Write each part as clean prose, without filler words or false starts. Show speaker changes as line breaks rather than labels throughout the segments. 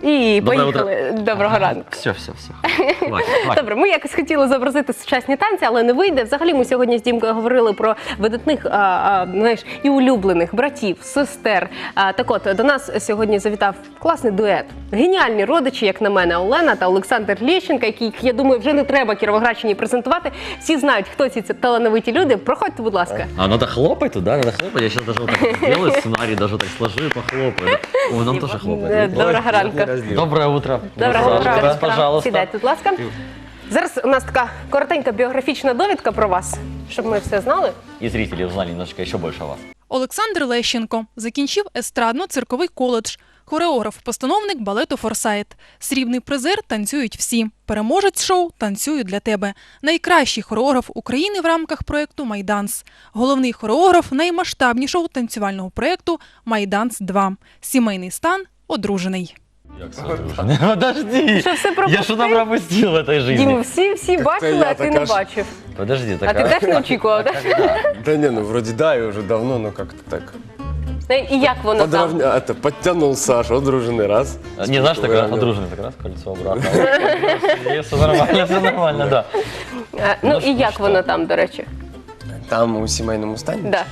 І поїхали. Доброго ранку.
Все.
Добре, ми якось хотіли зобразити сучасні танці, але не вийде. Взагалі ми сьогодні з Дімкою говорили про видатних, знаєш, і улюблених братів, сестер. Так от, до нас сьогодні завітав класний дует. Геніальні родичі, як на мене, Олена та Олександр Лещенко, яких, я думаю, вже не треба Кіровоградщині презентувати. Всі знають, хто ці талановиті люди. Проходьте, будь ласка.
А надо хлопать туда, надо хлопать. Я сейчас даже вот так сделаю сценарий, даже так сложу и похлопаю. О, нам тоже хлопать.
Доброго ранку.
Доброе утро.
Доброго утра.
Пожалуйста.
Сідайте, будь ласка. Зараз у нас така коротенька біографічна довідка про вас, щоб ми все знали.
И зрители узнали немножечко еще больше о вас.
Олександр Лещенко закінчив естрадно-цирковий коледж, хореограф-постановник балету «Форсайт». Срібний призер «Танцюють всі». Переможець шоу «Танцюю для тебе». Найкращий хореограф України в рамках проєкту «Майданс». Головний хореограф наймасштабнішого танцювального проєкту «Майданс-2». Сімейний стан – одружений.
Як це одружений? Подожди!
Що, все пропустив?
Я що там пропустив в этой жизни?
Дім, всі бачили, а ти не бачив.
Подожди,
А ти теж не очікував, так?
Да не, ну вроде да, и уже давно, но как-то так.
І як воно там?
Подтянул Сашу, одруженный раз.
Не, знаешь, так одружений, так раз, кольцо брака. Все нормально, да.
Ну і як воно там, до речі?
Там у семейном стане?
Да.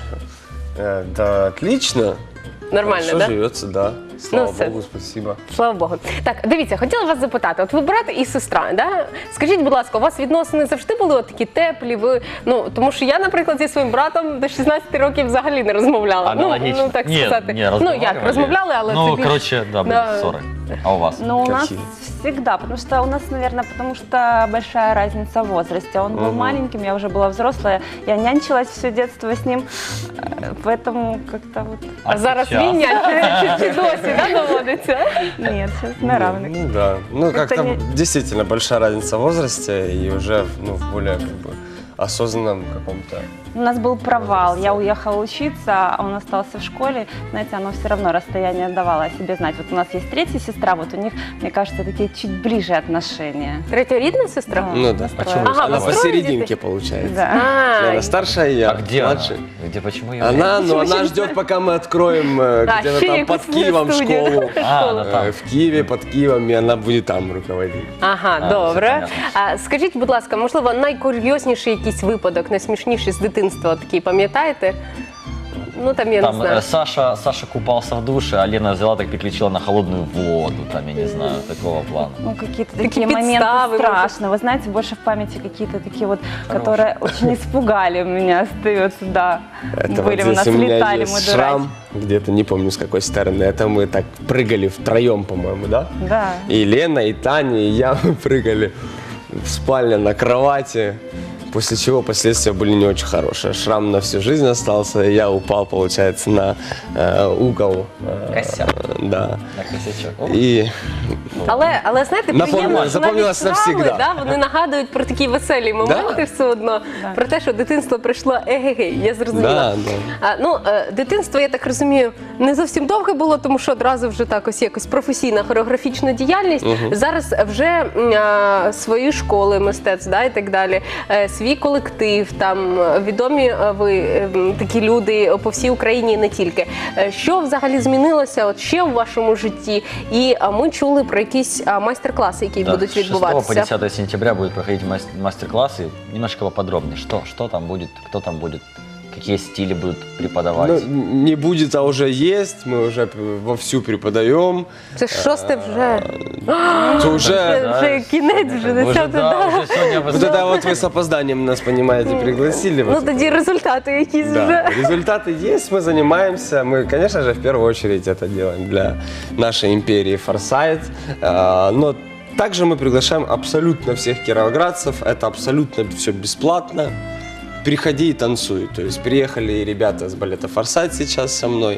Да, отлично.
Нормально,
Хорошо
да?
живется, да. Слава
все.
Богу, спасибо.
Слава Богу. Так, дивіться, хотіла вас запитати. От ви брат і сестра, да? Скажіть, будь ласка, у вас відносини завжди були от такі теплі? Ви, ну, тому що я, наприклад, зі своїм братом до 16 років взагалі не розмовляла.
Аналогично.
Ну, так
Нет,
сказати.
не,
Ну, як, розмовляли, але це
Ну,
більш...
короче, да, были
Да.
ссоры. А у вас?
Ну, у нас
Какие?
всегда, потому что у нас, наверное, потому что большая разница в возрасте. Он был маленьким, я уже была взрослая, я нянчилась все детство с ним, поэтому как-то вот...
А зараз
сейчас?
він чи досі, да, доводиться?
Нет, сейчас на равных.
Ну да. Ну
Это
как-то
не-
действительно большая разница в возрасте и уже в более как бы осознанном каком-то.
У нас был провал, я уехала учиться, а он остался в школе. Знаете, оно все равно расстояние давало о себе знать. Вот у нас есть третья сестра, вот у них, мне кажется, такие чуть ближе отношения.
Третьорідна сестра?
Ну да.
А чего вы
Ага,
Она
вы строите
посерединке
детей?
получается.
Да.
А,
Она старшая, я
А где она?
младший.
Где, почему ее?
Она ждет, пока мы откроем где-то
ще
там
якусь
под Киевом
студію.
школу.
А, она там.
В Киеве, под Киевом, и она будет там руководить.
Ага,
А,
добре.
все понятно.
А скажіть, будь ласка, можливо, найкурйозніший якийсь випадок, найсмішніший з дитинства такий, пам'ятаєте? Ну, там, я не
Там
знаю.
Саша купался в душе, а Лена взяла так переключила на холодную воду, там, я не знаю, такого плана.
Ну, какие-то
Такие
такие моменты
подставы,
страшные. Вы знаете, больше в памяти какие-то такие вот, которые очень испугали меня, остаются, да.
Это
Были
вот
у нас,
здесь у меня
летали
есть
мы
шрам, где-то, не помню с какой стороны. Это мы так прыгали втроем, по-моему, да?
Да.
И Лена, и Таня, и я мы прыгали в спальне на кровати. После чего последствия были не очень хорошие. Шрам на всю жизнь остался, и я упал, получается, на угол.
Косяк.
Да.
На косячок. О,
И
Але знаєте, приємно, що
запомнилось
навіть травми,
навсегда.
да, вони нагадують про такі веселі моменти все одно, про те, що дитинство прийшло егегей, я зрозуміла.
Да.
Дитинство, я так розумію, не зовсім довге було, тому що одразу вже так ось якось професійна хореографічна діяльність. Зараз вже свої школи мистецтв, да, і так далі, свій колектив, там відомі ви такі люди по всій Україні і не тільки. Що взагалі змінилося от ще в вашому житті? І ми чули про якісь майстер-класи, які
да,
будуть
с 6 по
відбуватися.
10 сентября будет проходить мастер-классы. Немножко поподробнее. Что там будет, кто там будет, какие стили будут преподавать.
Ну, не будет, а уже есть. Мы уже вовсю преподаем.
Це шосте вже.
То уже
Це вже кінець, вже
Уже,
10.
да, уже сегодня
вот это вот вы с опозданием нас, понимаете, пригласили.
Ну тоді результати якісь
Да,
вже.
результаты есть, мы занимаемся. Мы, конечно же, в первую очередь это делаем для нашей империи Форсайт. Но также мы приглашаем абсолютно всех кировоградцев. Это абсолютно все бесплатно. Приходи и танцуй. То есть приехали и ребята с балета Форсайт сейчас со мной.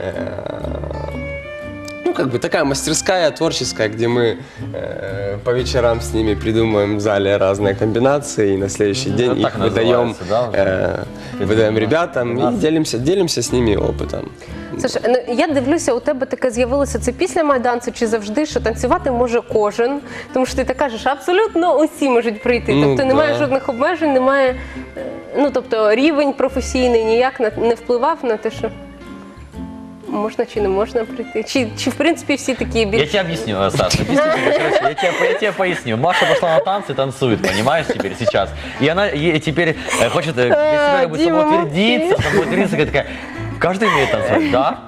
Ну, как бы такая мастерская, творческая, где мы по вечерам с ними придумываем в зале разные комбинации, и на следующий день
так
их выдаем,
называется, да, уже?
выдаем ребятам и делимся с ними опытом.
Саша, ну, я дивлюся, у тебе таке з'явилося це після Майданцю чи завжди, що танцювати може кожен, тому що ти так кажеш, абсолютно усі можуть прийти.
Ну,
Тобто немає
да.
жодних обмежень, немає, ну тобто рівень професійний ніяк не впливав на те, що... можна чи не можна прийти? Чи в принципі всі такі
Я
більш...
тебе объясню, Саша. Короче, я тебе поясню. Маша пошла на танцы, танцует, понимаешь, теперь сейчас. И она теперь хочет для себя как бы
Дима,
самоутвердиться, такая, каждый умеет танцевать, да?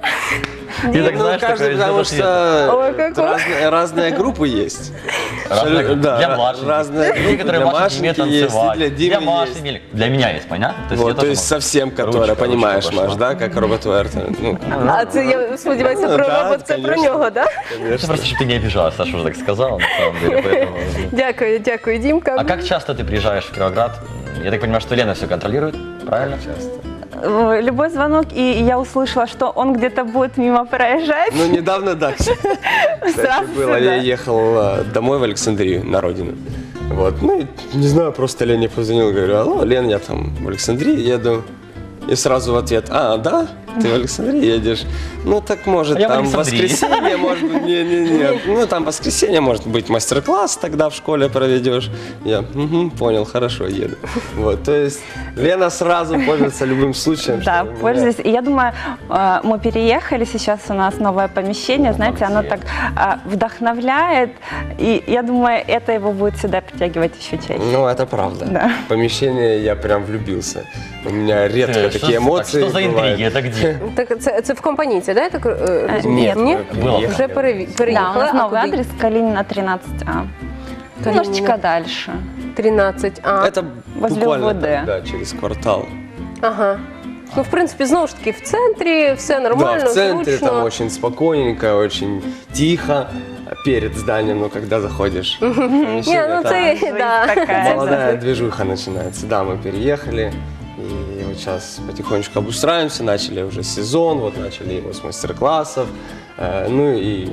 Ты так
Ну,
знаешь,
каждый,
такое
потому
из-за
что
Ой, какой.
разные группы есть.
Разные,
Да,
для младших.
разные
Те,
группы,
которые
для
Маши не умеют
Машеньки есть,
танцевать.
и для Димы
для Маши,
есть.
для меня есть, понятно? То есть, я
Вот, то
тоже
есть
могу.
совсем, которая,
Ручка
понимаешь,
пошла.
Маш, да, как робот Вертон. Ну,
А це, я сподіваюся,
Ну,
про
да,
робот, це про
конечно.
нього, так?
Это
конечно.
просто, чтобы ты не обижалась, Саша уже так сказала, на самом деле. Поэтому...
Дякую, Дімка.
А как часто ты приезжаешь в Кировоград? Я так понимаю, что Лена все контролирует, правильно?
Часто.
Любой звонок, и я услышала, что он где-то будет мимо проезжать.
Ну, недавно, да. Кстати,
Сразу
было.
сюда.
Я ехал домой в Александрию, на родину. Вот, ну, и, не знаю, просто Лене позвонил, говорю, алло, Лен, я там в Александрии еду. И сразу в ответ, а, да, ты в Александрии едешь? Ну, так может,
А я в
там
Александрии.
воскресенье, может быть, не, ну, там воскресенье, может быть, мастер-класс тогда в школе проведешь. Я, угу, понял, хорошо, еду. Вот, то есть Лена сразу пользуется любым случаем.
Да,
чтобы меня-
пользуюсь. И я думаю, мы переехали, сейчас у нас новое помещение, знаете, оно так вдохновляет, и я думаю, это его будет сюда притягивать еще чаще.
Ну, это правда.
Да.
Помещение я прям влюбился. У меня редко
Что
такие эмоции
Что за
бывают.
интриги? Это где?
Так, це в компанійці, да? Я так розумію?
Нет,
Ні?
Было.
Вже
Да,
переїхали.
у нас
А
новый
куди?
адрес Калинина 13А. Немножечко дальше.
13. А,
Это
Возле
буквально
УВД.
так, да, через квартал.
ага. Ну, в принципі, знову ж таки, в центрі все нормально,
Да, в центре
зручно.
там очень спокойненько, очень тихо. Перед зданием, ну, когда заходишь в
Ні,
помещение,
ну
там
це,
Жизнь
да.
такая.
молодая движуха начинается. Да, мы переехали. И вот сейчас потихонечку обустраиваемся, начали уже сезон, вот начали его с мастер-классов. Ну и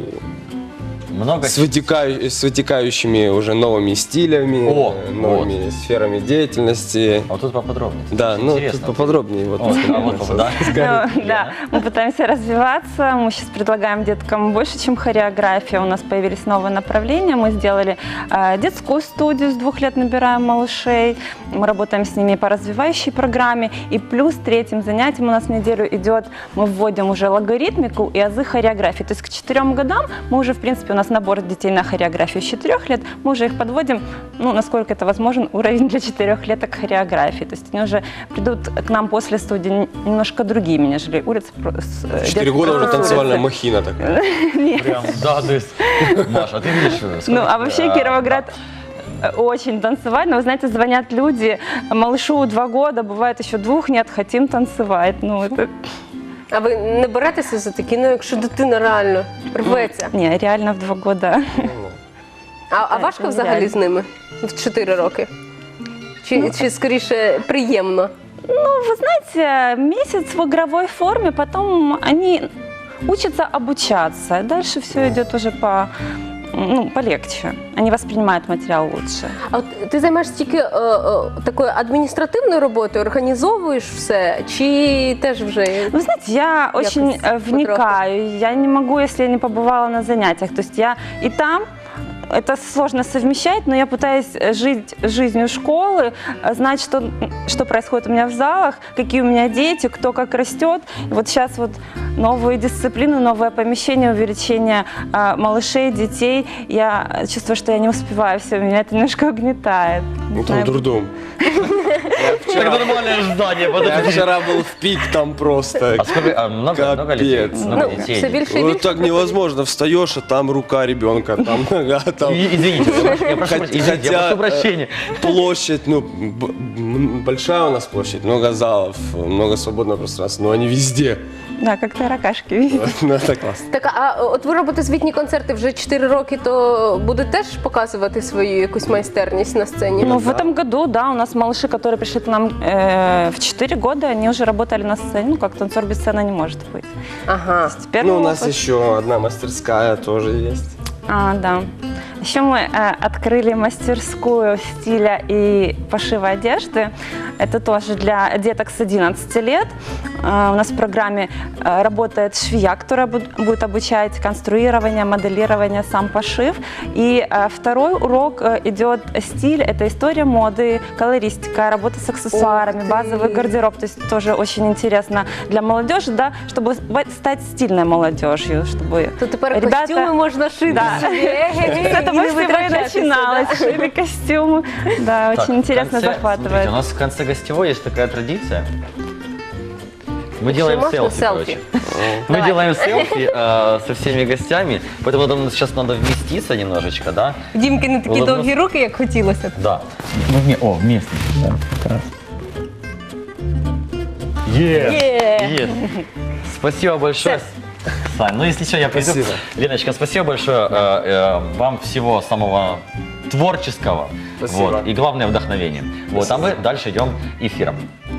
Много
с вытекающими уже новыми стилями,
О,
новыми сферами деятельности.
А вот тут поподробнее.
Да, ну
Интересно.
тут поподробнее. Вот,
О, а вот, да?
Ну, да, мы пытаемся развиваться, мы сейчас предлагаем деткам больше, чем хореография. У нас появились новые направления, мы сделали детскую студию, с 2 лет набираем малышей, мы работаем с ними по развивающей программе, и плюс третьим занятием у нас в неделю идет, мы вводим уже логаритмику и азы хореографии. То есть к 4 годам мы уже, в принципе, у нас набор детей на хореографию с 4 лет, мы уже их подводим, ну, насколько это возможен, уровень для 4-леток хореографии. То есть они уже придут к нам после студии немножко другими, нежели улицы.
4 года уже танцевальная махина такая.
Прям, да, то есть, Маша, а ты видишь, сколько
Ну, а
тебе,
вообще Кировоград очень танцевать, но, вы знаете, звонят люди, малышу 2 года, бывает еще 2 нет, хотим танцевать. Ну, это...
А ви не беретеся за такі, ну, якщо дитина реально рветься?
Не, реально в 2 года.
А
Так,
важко
це
взагалі
нереально.
з ними в 4 роки? Чи скоріше приємно?
Ну, вы знаете, месяц в игровой форме, потом они учатся обучаться. Дальше все идет уже полегче. Они воспринимают материал лучше.
А от ти займаєшся тільки такою адміністративною роботою, організовуєш все, чи теж вже?
Вы знаете, я очень
потроху.
вникаю. Я не могу, если я не побывала на занятиях. То есть я и там. Это сложно совмещать, но я пытаюсь жить жизнью школы, знать, что происходит у меня в залах, какие у меня дети, кто как растет. И вот сейчас вот новые дисциплины, новое помещение, увеличение малышей, детей. Я чувствую, что я не успеваю все, меня это немножко угнетает. Не
Ну, там
знаю,
дурдом.
Так нормальное здание,
Я
подожди.
вчера был в пик там просто.
А сколько, много детей?
Капец.
Много
Ну,
детей.
все більше і
Вот
більше.
так невозможно. Встаешь, а там рука ребенка, там нога, там
Извините, я прошу прощения.
площадь, ну, большая у нас площадь, много залов, много свободного пространства, но они везде.
да, как таракашки, видите?
Ну, это классно.
Так, а от ви робите звітні концерти вже 4 роки, то будете теж показувати свою якусь майстерність на сцені?
Ну, в этом году, да, у нас малыши, которые пришли к нам в 4 года, они уже работали на сцене. Ну, как танцор без сцены не может быть.
Ага.
Теперь
Ну, у нас еще одна мастерская тоже есть.
Да. Еще мы открыли мастерскую стиля и пошива одежды. Это тоже для деток с 11 лет. У нас в программе работает швея, которая будет обучать конструирование, моделирование, сам пошив. И второй урок идет стиль, это история моды, колористика, работа с аксессуарами, базовый гардероб. То есть тоже очень интересно для молодежи, да, чтобы стать стильной молодежью, чтобы
То тепер
ребята-
костюми можна шити
Да.
собі.
С этого всего и начиналось. Шили костюмы. Да,
Так,
очень интересно,
в конце, смотрите,
захватывает.
у нас в конце гостевой есть такая традиция. Мы делаем
можно
селфи,
селфи?
короче. Мы
Давай.
делаем селфи со всеми гостями, поэтому нам сейчас надо вместиться немножечко, да?
Дімки не такі
Улыбнусь.
довгі руки, як хотілося.
Да. Вместе. Да, как раз. Есть. Спасибо большое. Сань, ну если что, я пойду.
Спасибо.
Леночка, спасибо большое. Вам всего самого творческого.
Спасибо.
Вот, и главное вдохновение. Вот, а мы дальше идем эфиром.